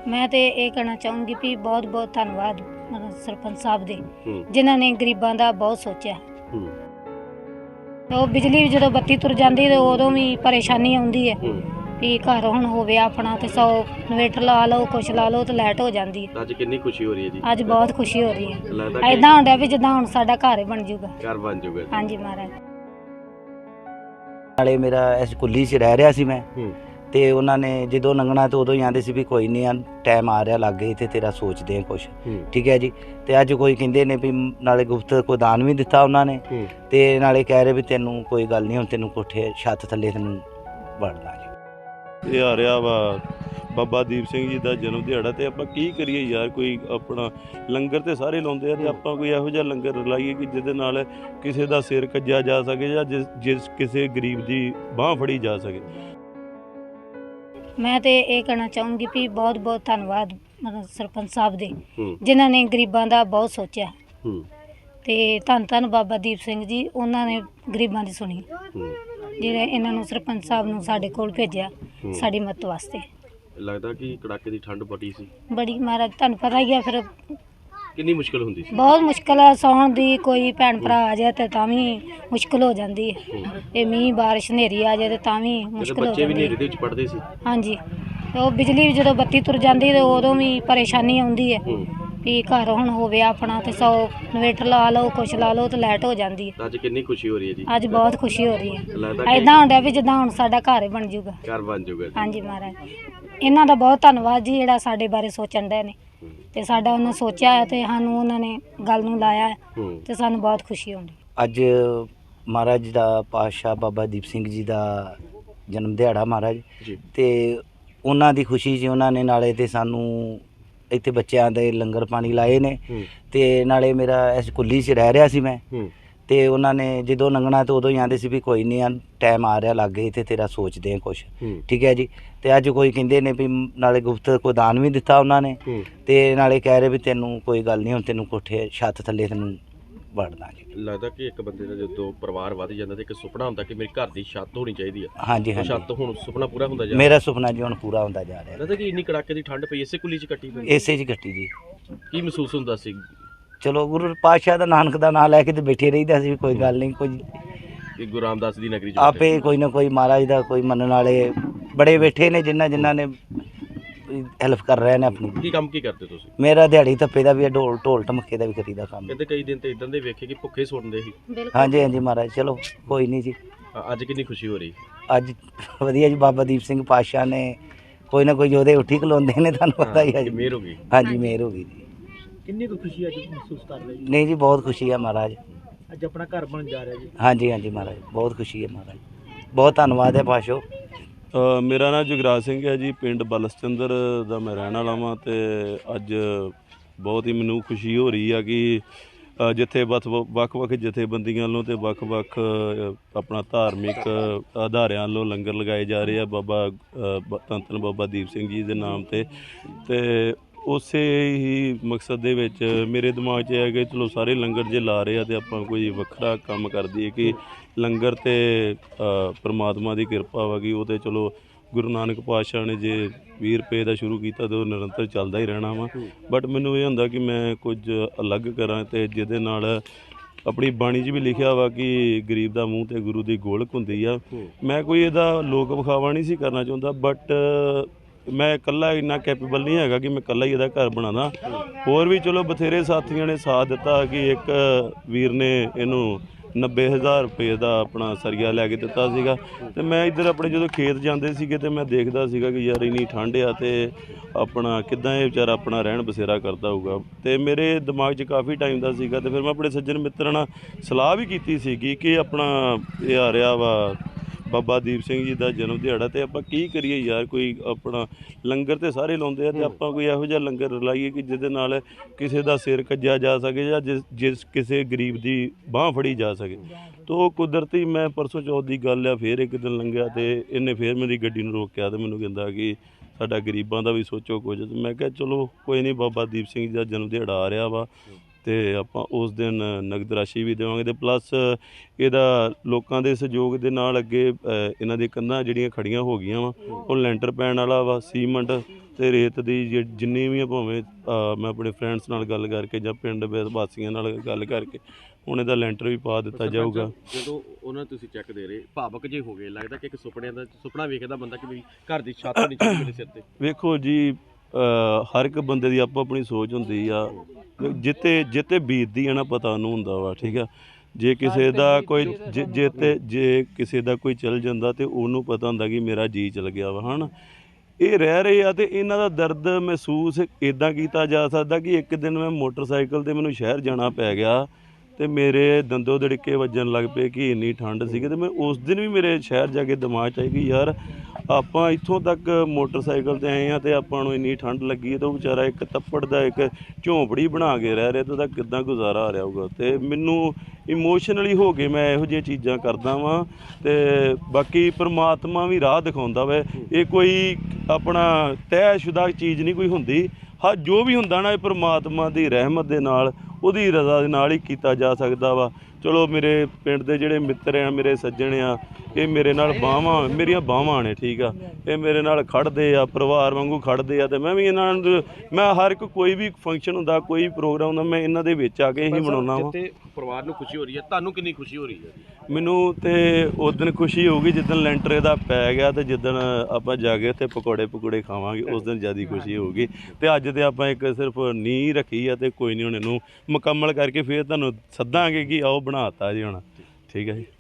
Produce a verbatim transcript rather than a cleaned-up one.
मैं तो ये कहना चाहूँगी भी बहुत बहुत धन्यवाद मतलब सरपंच साहब दे जिन्होंने गरीबों का बहुत सोचा। तो बिजली भी जो बत्ती तुर जाती तो उदों भी परेशानी आती है भी घर हुण होवे अपना तो सौ इन्वेटर ला लो कुछ ला लो तो लाइट हो जाती है। अज कितनी खुशी हो रही है जी? अज बहुत खुशी हो रही है, ऐदा होंदा भी जिद्दां हुण साडा घर ही बन जूगा। घर बन जूगा। हाँ जी महाराज। नाले मेरा इस कुल्ली च रह रहा सी मैं ते उन्हां ने जदों लंघना तो उदों ही आंदे सी भी कोई नहीं आ टाइम आ रहा लागे ते तेरा सोचते हैं कुछ, ठीक है जी। ते अज कोई कहंदे ने भी नाले गुफ्त को दान भी दिता उन्होंने ते नाले कह रहे भी तेनू कोई गल नहीं हुण तेनू कोठे छत थल्ले तेनू वड़ना जी। ਇਹ ਆ ਰਿਹਾ ਵਾ ਬਾਬਾ ਦੀਪ ਸਿੰਘ ਜੀ ਦਾ ਜਨਮ ਦਿਹਾੜਾ ਤੇ ਆਪਾਂ ਕੀ ਕਰੀਏ ਯਾਰ, ਕੋਈ ਆਪਣਾ ਲੰਗਰ ਤੇ ਸਾਰੇ ਲਾਉਂਦੇ ਆ ਤੇ ਆਪਾਂ ਕੋਈ ਇਹੋ ਜਿਹਾ ਲੰਗਰ ਲਾਈਏ ਕਿ ਜਿਹਦੇ ਨਾਲ ਕਿਸੇ ਦਾ ਸਿਰ ਕੱਜਿਆ ਜਾ ਸਕੇ ਜਾਂ ਜਿਸ ਜਿਸ ਕਿਸੇ ਗਰੀਬ ਦੀ ਬਾਹ ਫੜੀ ਜਾ ਸਕੇ। मैं तो ये कहना चाहूँगी भी बहुत बहुत धन्यवाद मतलब सरपंच साहब दे जिन्होंने गरीबों का बहुत सोचा। ਤੇ ਧੰਨ ਧੰਨ ਬਾਬਾ ਦੀਪ ਸਿੰਘ ਜੀ ਉਹਨਾਂ ਨੇ ਗਰੀਬਾਂ ਦੀ ਸੁਣੀ ਜਿਹੜੇ ਇਹਨਾਂ ਨੂੰ ਸਰਪੰਚ ਸਾਹਿਬ ਨੂੰ ਸਾਡੇ ਕੋਲ ਭੇਜਿਆ ਸਾਡੀ ਮਦਦ ਵਾਸਤੇ। ਲੱਗਦਾ ਕਿ ਕੜਾਕੇ ਦੀ ਠੰਡ ਬੜੀ ਸੀ ਬੜੀ ਮਹਾਰਾਜ ਤੁਹਾਨੂੰ ਪਤਾ ਹੀ ਆ ਫਿਰ ਕਿੰਨੀ ਮੁਸ਼ਕਲ ਹੁੰਦੀ ਸੀ। ਬਹੁਤ ਮੁਸ਼ਕਲ ਆ ਸੌਣ ਦੀ, ਕੋਈ ਭੈਣ ਭਰਾ ਆ ਜਾਏ ਤੇ ਤਾਂ ਵੀ ਮੁਸ਼ਕਲ ਹੋ ਜਾਂਦੀ ਹੈ। ਇਹ ਮੀਂਹ ਬਾਰਿਸ਼ ਹਨੇਰੀ ਆ ਜਾਏ ਤੇ ਤਾਂ ਵੀ ਮੁਸ਼ਕਲ ਹੋ ਬੱਚੇ ਵੀ ਜਾਂਦੀ ਹਨੇਰੀ ਦੇ ਵਿੱਚ ਪੜਦੇ ਸੀ। ਹਾਂਜੀ ਤੇ ਉਹ ਬਿਜਲੀ ਵੀ ਜਦੋਂ ਬੱਤੀ ਤੁਰ ਜਾਂਦੀ ਤੇ ਉਦੋਂ ਵੀ ਪਰੇਸ਼ਾਨੀ ਆਉਂਦੀ ਹੈ भी घर हुण होवे अपना तो सौ इन्वेटर ला लो कुछ ला लो तो लाइट हो जाती है। अज कितनी खुशी हो रही है जी? अज बहुत खुशी हो रही है, ऐदा होंदा भी जिद्दां हुण साडा घर ही बन जूगा। घर बन जूगा। हाँ जी महाराज। इन्हां दा बहुत धन्नवाद जी जिहड़ा साडे बारे सोचण दे ने ते साडा उन्हां सोचिया है ते सानूं उन्हां ने गल नूं लाया है ते सानूं बहुत खुशी होंदी। अज महाराज दा पातशाह बाबा दीप सिंह जी दा जन्म दिहाड़ा महाराज ते उन्हां दी खुशी च उन्हां ने नाले ते सानूं ਇੱਥੇ ਬੱਚਿਆਂ ਦੇ ਲੰਗਰ ਪਾਣੀ ਲਾਏ ਨੇ ਤੇ ਨਾਲੇ ਮੇਰਾ ਇਸ ਕੁੱਲੀ 'ਚ ਰਹਿ ਰਿਹਾ ਸੀ ਮੈਂ ਤੇ ਉਹਨਾਂ ਨੇ ਜਦੋਂ ਲੰਘਣਾ ਤੇ ਉਦੋਂ ਹੀ ਆਂਦੇ ਸੀ ਵੀ ਕੋਈ ਨਹੀਂ ਆ ਟਾਈਮ ਆ ਰਿਹਾ ਲਾਗੇ ਤੇ ਤੇਰਾ ਸੋਚਦੇ ਆ ਕੁਛ, ਠੀਕ ਹੈ ਜੀ। ਤੇ ਅੱਜ ਕੋਈ ਕਹਿੰਦੇ ਨੇ ਵੀ ਨਾਲੇ ਗੁਫਤ ਕੋ ਦਾਨ ਵੀ ਦਿੱਤਾ ਉਹਨਾਂ ਨੇ ਤੇ ਨਾਲੇ ਕਹਿ ਰਹੇ ਵੀ ਤੈਨੂੰ ਕੋਈ ਗੱਲ ਨਹੀਂ ਹੁਣ ਤੈਨੂੰ ਕੋਠੇ ਛੱਤ ਥੱਲੇ ਤੈਨੂੰ ਵੜਨਾ ਜੀ। ਲੱਗਦਾ ਕਿ ਇੱਕ ਬੰਦੇ ਦਾ ਜਦੋਂ ਪਰਿਵਾਰ ਵੱਧ ਜਾਂਦਾ ਤੇ ਇੱਕ ਸੁਪਨਾ ਹੁੰਦਾ ਕਿ ਮੇਰੇ ਘਰ ਦੀ ਛੱਤ ਹੋਣੀ ਚਾਹੀਦੀ ਹੈ। ਹਾਂਜੀ ਹਾਂਜੀ, ਛੱਤ ਹੁਣ ਸੁਪਨਾ ਪੂਰਾ ਹੁੰਦਾ ਜਾ ਰਿਹਾ। ਮੇਰਾ ਸੁਪਨਾ ਜੀ ਹੁਣ ਪੂਰਾ ਹੁੰਦਾ ਜਾ ਰਿਹਾ। ਲੱਗਦਾ ਕਿ ਇੰਨੀ ਕੜਾਕੇ ਦੀ ਠੰਡ ਪਈ ਇਸੇ ਕੁੱਲੀ 'ਚ ਕੱਟੀ ਪਈ? ਇਸੇ 'ਚ ਕੱਟੀ ਜੀ। ਕੀ ਮਹਿਸੂਸ ਹੁੰਦਾ ਸੀ? ਚਲੋ ਗੁਰੂ ਪਾਤਸ਼ਾਹ ਦਾ ਨਾਨਕ ਦਾ ਨਾਂ ਲੈ ਕੇ ਤੇ ਬੈਠੇ ਰਹੀਦਾ ਸੀ, ਕੋਈ ਗੱਲ ਨਹੀਂ। ਕੋਈ ਕਿ ਗੁਰੂ ਰਾਮਦਾਸ ਦੀ ਨਗਰੀ 'ਚ ਆਪੇ ਕੋਈ ਨਾ ਕੋਈ ਮਹਾਰਾਜ ਦਾ ਕੋਈ ਮੰਨਣ ਵਾਲੇ ਬੜੇ ਬੈਠੇ ਨੇ ਜਿਨ੍ਹਾਂ ਜਿਨ੍ਹਾਂ ਨੇ ਹੈਲਪ ਕਰ ਰਹੇ ਨੇ ਆਪਣੀ। ਕੀ ਕੰਮ ਕੀ ਕਰਦੇ ਤੁਸੀਂ? ਮੇਰਾ ਦਿਹਾੜੀ ਧੱਪੇ ਦਾ ਵੀ ਹੈ, ਢੋਲ ਢੋਲ ਢਮੱਕੇ ਦਾ ਵੀ ਕਰੀਦਾ ਕੰਮ। ਕਹਿੰਦੇ ਕਈ ਦਿਨ ਤੇ ਇਦਾਂ ਦੇ ਵੇਖੇ ਕਿ ਭੁੱਖੇ ਸੁਣਦੇ ਸੀ। ਹਾਂਜੀ ਹਾਂਜੀ ਮਹਾਰਾਜ, ਚਲੋ ਕੋਈ ਨਹੀਂ ਜੀ। ਅੱਜ ਕਿੰਨੀ ਖੁਸ਼ੀ ਹੋ ਰਹੀ? ਅੱਜ ਵਧੀਆ ਜੀ, ਬਾਬਾ ਦੀਪ ਸਿੰਘ ਪਾਤਸ਼ਾਹ ਨੇ ਕੋਈ ਨਾ ਕੋਈ ਉਹਦੇ ਉੱਠੀ ਖਲੋਂਦੇ ਨੇ, ਤੁਹਾਨੂੰ ਪਤਾ ਹੀ ਹੈ ਜੀ। ਮਿਹਰ ਹੋ ਗਈ। ਹਾਂਜੀ ਮਿਹਰ ਹੋ ਗਈ ਜੀ। ਕਿੰਨੀ ਕੁ ਖੁਸ਼ੀ ਅੱਜ ਮਹਿਸੂਸ ਕਰ ਰਹੇ ਜੀ? ਨਹੀਂ ਜੀ ਬਹੁਤ ਖੁਸ਼ੀ ਹੈ ਮਹਾਰਾਜ, ਅੱਜ ਆਪਣਾ ਘਰ ਬਣ ਜਾ ਰਿਹਾ ਜੀ। ਹਾਂਜੀ ਹਾਂਜੀ ਮਹਾਰਾਜ ਬਹੁਤ ਖੁਸ਼ੀ ਹੈ ਮਹਾਰਾਜ, ਬਹੁਤ ਧੰਨਵਾਦ ਹੈ ਪਾਤਸ਼ਾਹ। ਮੇਰਾ ਨਾਮ ਜੁਗਰਾਜ ਸਿੰਘ ਹੈ ਜੀ, ਪਿੰਡ ਬਲਸਚੰਦਰ ਦਾ ਮੈਂ ਰਹਿਣ ਵਾਲਾ ਵਾਂ ਤੇ ਅੱਜ ਬਹੁਤ ਹੀ ਮੈਨੂੰ ਖੁਸ਼ੀ ਹੋ ਰਹੀ ਆ ਕਿ ਜਿੱਥੇ ਵੱਖ ਵੱਖ ਜਥੇਬੰਦੀਆਂ ਵੱਲੋਂ ਤੇ ਵੱਖ-ਵੱਖ ਆਪਣਾ ਧਾਰਮਿਕ ਅਦਾਰਿਆਂ ਵੱਲੋਂ ਲੰਗਰ ਲਗਾਏ ਜਾ ਰਹੇ ਆ ਬਾਬਾ ਧੰਨ ਧੰਨ ਬਾਬਾ ਦੀਪ ਸਿੰਘ ਜੀ ਦੇ ਨਾਮ ਤੇ ਤੇ ਉਸੇ ਹੀ ਮਕਸਦ ਦੇ ਵਿੱਚ ਮੇਰੇ ਦਿਮਾਗ 'ਚ ਹੈ ਕਿ ਚਲੋ ਸਾਰੇ ਲੰਗਰ ਜੇ ਲਾ ਰਹੇ ਆ ਤੇ ਆਪਾਂ ਕੋਈ ਵੱਖਰਾ ਕੰਮ ਕਰ ਦਈਏ ਕਿ ਲੰਗਰ ਤੇ ਪਰਮਾਤਮਾ ਦੀ ਕਿਰਪਾ ਵਾ ਕਿ ਉਹ ਤੇ ਚਲੋ ਗੁਰੂ ਨਾਨਕ ਪਾਤਸ਼ਾਹ ਨੇ ਜੇ ਵੀਹ ਰੁਪਏ ਦਾ ਸ਼ੁਰੂ ਕੀਤਾ ਤਾਂ ਉਹ ਨਿਰੰਤਰ ਚੱਲਦਾ ਹੀ ਰਹਿਣਾ ਵਾ। ਬਟ ਮੈਨੂੰ ਇਹ ਹੁੰਦਾ ਕਿ ਮੈਂ ਕੁਝ ਅਲੱਗ ਕਰਾਂ ਤੇ ਜਿਹਦੇ ਨਾਲ ਆਪਣੀ ਬਾਣੀ 'ਚ ਵੀ ਲਿਖਿਆ ਵਾ ਕਿ ਗਰੀਬ ਦਾ ਮੂੰਹ ਤੇ ਗੁਰੂ ਦੀ ਗੋਲਕ ਹੁੰਦੀ ਆ। ਮੈਂ ਕੋਈ ਇਹਦਾ ਲੋਕ ਵਿਖਾਵਾ ਨਹੀਂ ਸੀ ਕਰਨਾ ਚਾਹੁੰਦਾ, ਬਟ ਮੈਂ ਇਕੱਲਾ ਇੰਨਾ ਕੈਪੇਬਲ ਨਹੀਂ ਹੈਗਾ ਕਿ ਮੈਂ ਇਕੱਲਾ ਹੀ ਇਹਦਾ ਘਰ ਬਣਾਦਾ। ਹੋਰ ਵੀ ਚਲੋ ਬਥੇਰੇ ਸਾਥੀਆਂ ਨੇ ਸਾਥ ਦਿੱਤਾ ਕਿ ਇੱਕ ਵੀਰ ਨੇ ਇਹਨੂੰ ਨੱਬੇ ਹਜ਼ਾਰ ਰੁਪਏ ਦਾ ਆਪਣਾ ਸਰੀਆ ਲੈ ਕੇ ਦਿੱਤਾ ਸੀਗਾ ਤੇ ਮੈਂ ਇੱਧਰ ਆਪਣੇ ਜਦੋਂ ਖੇਤ ਜਾਂਦੇ ਸੀਗੇ ਤੇ ਮੈਂ ਦੇਖਦਾ ਸੀਗਾ ਕਿ ਯਾਰ ਇੰਨੀ ਠੰਡ ਆ ਤੇ ਆਪਣਾ ਕਿੱਦਾਂ ਇਹ ਵਿਚਾਰਾ ਆਪਣਾ ਰਹਿਣ ਬਸੇਰਾ ਕਰਦਾ ਹੋਊਗਾ ਤੇ ਮੇਰੇ ਦਿਮਾਗ 'ਚ ਕਾਫੀ ਟਾਈਮ ਦਾ ਸੀਗਾ ਤੇ ਫਿਰ ਮੈਂ ਆਪਣੇ ਸੱਜਣ ਮਿੱਤਰਾਂ ਨਾਲ ਸਲਾਹ ਵੀ ਕੀਤੀ ਸੀਗੀ ਕਿ ਆਪਣਾ ਇਹ ਆ ਰਿਹਾ ਵਾ ਬਾਬਾ ਦੀਪ ਸਿੰਘ ਜੀ ਦਾ ਜਨਮ ਦਿਹਾੜਾ ਤੇ ਆਪਾਂ ਕੀ ਕਰੀਏ ਯਾਰ, ਕੋਈ ਆਪਣਾ ਲੰਗਰ ਤੇ ਸਾਰੇ ਲਾਉਂਦੇ ਆ ਤੇ ਆਪਾਂ ਕੋਈ ਇਹੋ ਜਿਹਾ ਲੰਗਰ ਲਾਈਏ ਕਿ ਜਿਹਦੇ ਨਾਲ ਕਿਸੇ ਦਾ ਸਿਰ ਕੱਜਿਆ ਜਾ ਸਕੇ ਜਾਂ ਜਿਸ ਜਿਸ ਕਿਸੇ ਗਰੀਬ ਦੀ ਬਾਹ ਫੜੀ ਜਾ ਸਕੇ। ਤੋ ਕੁਦਰਤੀ ਮੈਂ ਪਰਸੋਂ ਚੌਥ ਦੀ ਗੱਲ ਆ, ਫਿਰ ਇੱਕ ਦਿਨ ਲੰਘਿਆ ਤੇ ਇਹਨੇ ਫਿਰ ਮੇਰੀ ਗੱਡੀ ਨੂੰ ਰੋਕਿਆ ਤੇ ਮੈਨੂੰ ਕਹਿੰਦਾ ਕਿ ਸਾਡਾ ਗਰੀਬਾਂ ਦਾ ਵੀ ਸੋਚੋ ਕੁਝ। ਮੈਂ ਕਿਹਾ ਚਲੋ ਕੋਈ ਨਹੀਂ, ਬਾਬਾ ਦੀਪ ਸਿੰਘ ਜੀ ਦਾ ਜਨਮ ਦਿਹਾੜਾ ਆ ਰਿਹਾ ਵਾ ਤੇ ਆਪਾਂ ਉਸ ਦਿਨ ਨਗਦ ਰਾਸ਼ੀ ਵੀ ਦੇਵਾਂਗੇ ਤੇ ਪਲੱਸ ਇਹਦਾ ਲੋਕਾਂ ਦੇ ਸਹਿਯੋਗ ਦੇ ਨਾਲ ਅੱਗੇ ਇਹਨਾਂ ਦੀਆਂ ਕੰਧਾਂ ਜਿਹੜੀਆਂ ਖੜੀਆਂ ਹੋ ਗਈਆਂ ਵਾ ਉਹ ਲੈਂਟਰ ਪੈਣ ਵਾਲਾ ਵਾ, ਸੀਮੈਂਟ ਤੇ ਰੇਤ ਦੀ ਜਿ- ਜਿੰਨੀ ਵੀ ਆ ਭਾਵੇਂ ਅ, ਮੈਂ ਆਪਣੇ ਫਰੈਂਡਸ ਨਾਲ ਗੱਲ ਕਰਕੇ ਜਾਂ ਪਿੰਡ ਦੇ ਵਾਸੀਆਂ ਨਾਲ ਗੱਲ ਕਰਕੇ ਹੁਣ ਇਹਦਾ ਲੈਂਟਰ ਵੀ ਪਾ ਦਿੱਤਾ ਸਰਪੰਚ, ਜਾਊਗਾ। ਜਦੋਂ ਉਹਨਾਂ ਨੂੰ ਤੁਸੀਂ ਚੈੱਕ ਦੇ ਰਹੇ ਭਾਵਕ ਜੇ ਹੋ ਗਏ, ਲੱਗਦਾ ਕਿ ਇੱਕ ਸੁਪਨਿਆਂ ਦਾ ਸੁਪਨਾ ਵੇਖਦਾ ਬੰਦਾ ਕਿ ਵੀ ਘਰ ਦੀ ਛੱਤ ਹੋਣੀ ਚਾਹੀਦੀ ਮੇਰੇ ਸਿਰ ਤੇ। ਵੇਖੋ ਜੀ ਅ, ਹਰ ਇੱਕ ਬੰਦੇ ਦੀ ਆਪੋ ਆਪਣੀ ਸੋਚ ਹੁੰਦੀ ਆ, ਜਿੱਤੇ ਜਿੱਤੇ ਬੀਤਦੀ ਆ ਨਾ ਪਤਾ ਉਹਨੂੰ ਹੁੰਦਾ ਵਾ, ਠੀਕ ਆ। ਜੇ ਕਿਸੇ ਦਾ ਕੋਈ ਜੇ ਜੇ ਤੇ ਜੇ ਕਿਸੇ ਦਾ ਕੋਈ ਚਲ ਜਾਂਦਾ ਤੇ ਉਹਨੂੰ ਪਤਾ ਹੁੰਦਾ ਕਿ ਮੇਰਾ ਜੀ ਚਲ ਗਿਆ ਵਾ, ਹਨ। ਇਹ ਰਹਿ ਰਹੇ ਆ ਤੇ ਇਹਨਾਂ ਦਾ ਦਰਦ ਮਹਿਸੂਸ ਇਦਾਂ ਕੀਤਾ ਜਾ ਸਕਦਾ ਕਿ ਇੱਕ ਦਿਨ ਮੈਂ ਮੋਟਰਸਾਈਕਲ ਤੇ ਮੈਨੂੰ ਸ਼ਹਿਰ ਜਾਣਾ ਪੈ ਗਿਆ ਤੇ ਮੇਰੇ ਦੰਦੋ ਦੜਕੇ ਵੱਜਣ ਲੱਗ ਪਏ ਕਿ ਇੰਨੀ ਠੰਡ ਸੀਗੀ ਤੇ ਮੈਂ ਉਸ ਦਿਨ ਵੀ ਮੇਰੇ ਸ਼ਹਿਰ ਜਾ ਕੇ ਦਿਮਾਗ 'ਚ ਆਈ ਕਿ ਯਾਰ ਆਪਾਂ ਇੱਥੋਂ ਤੱਕ ਮੋਟਰਸਾਈਕਲ ਤੇ ਆਏ ਆ ਤੇ ਆਪਾਂ ਨੂੰ ਇੰਨੀ ਠੰਡ ਲੱਗੀ ਹੈ ਤੇ ਉਹ ਵਿਚਾਰਾ ਇੱਕ ਤੱਪੜ ਦਾ ਇੱਕ ਝੌਂਪੜੀ ਬਣਾ ਕੇ ਰਹਿ ਰਿਹਾ ਤੇ ਉਹਦਾ ਕਿੱਦਾਂ ਗੁਜ਼ਾਰਾ ਆ ਰਿਹਾ ਹੋਊਗਾ। ਤੇ ਮੈਨੂੰ ਇਮੋਸ਼ਨਲੀ ਹੋ ਕੇ ਮੈਂ ਇਹੋ ਜਿਹੀਆਂ ਚੀਜ਼ਾਂ ਕਰਦਾ ਵਾਂ ਤੇ ਬਾਕੀ ਪ੍ਰਮਾਤਮਾ ਵੀ ਰਾਹ ਦਿਖਾਉਂਦਾ ਵਾ। ਇਹ ਕੋਈ ਆਪਣਾ ਤੈਅਸ਼ੁਦਾ ਚੀਜ਼ ਨਹੀਂ ਕੋਈ ਹੁੰਦੀ, ਹਾਂ ਜੋ ਵੀ ਹੁੰਦਾ ਨਾ ਇਹ ਪ੍ਰਮਾਤਮਾ ਦੀ ਰਹਿਮਤ ਦੇ ਨਾਲ ਉਹਦੀ ਰਜ਼ਾ ਦੇ ਨਾਲ ਹੀ ਕੀਤਾ ਜਾ ਸਕਦਾ ਵਾ। ਚਲੋ ਮੇਰੇ ਪਿੰਡ ਦੇ ਜਿਹੜੇ ਮਿੱਤਰ ਆ, ਮੇਰੇ ਸੱਜਣ ਆ, ਇਹ ਮੇਰੇ ਨਾਲ ਬਾਹਾਂ ਮੇਰੀਆਂ ਬਾਹਾਂ ਨੇ, ਠੀਕ ਆ। ਇਹ ਮੇਰੇ ਨਾਲ ਖੜਦੇ ਆ, ਪਰਿਵਾਰ ਵਾਂਗੂ ਖੜਦੇ ਆ ਤੇ ਮੈਂ ਵੀ ਇਹਨਾਂ ਨੂੰ ਮੈਂ ਹਰ ਇੱਕ ਕੋਈ ਵੀ ਫੰਕਸ਼ਨ ਹੁੰਦਾ, ਕੋਈ ਪ੍ਰੋਗਰਾਮ ਹੁੰਦਾ, ਮੈਂ ਇਹਨਾਂ ਦੇ ਵਿੱਚ ਆ ਕੇ ਹੀ ਮਨਾਉਣਾ ਵਾ। ਜਿੱਥੇ ਪਰਿਵਾਰ ਨੂੰ ਖੁਸ਼ੀ ਹੋ ਰਹੀ ਹੈ, ਤੁਹਾਨੂੰ ਕਿੰਨੀ ਖੁਸ਼ੀ ਹੋ ਰਹੀ ਹੈ? ਮੈਨੂੰ ਤੇ ਉਸ ਦਿਨ ਖੁਸ਼ੀ ਹੋਊਗੀ ਜਿੱਦਣ ਲੈਂਟਰ ਇਹਦਾ ਪੈ ਗਿਆ ਤੇ ਜਿੱਦਣ ਆਪਾਂ ਜਾ ਕੇ ਉੱਥੇ ਪਕੌੜੇ ਪਕੌੜੇ ਖਾਵਾਂਗੇ, ਉਸ ਦਿਨ ਜ਼ਿਆਦਾ ਖੁਸ਼ੀ ਹੋਊਗੀ। ਤੇ ਅੱਜ ਤੇ ਆਪਾਂ ਇੱਕ ਸਿਰਫ ਨੀਂਹ ਰੱਖੀ ਆ ਤੇ ਕੋਈ ਨਹੀਂ ਹੁਣ ਇਹਨੂੰ ਮੁਕੰਮਲ ਕਰਕੇ ਫਿਰ ਤੁਹਾਨੂੰ ਸੱਦਾਂਗੇ ਕਿ ਆਓ ਬਣਾਤਾ ਜੀ ਹੁਣ, ਠੀਕ ਹੈ ਜੀ।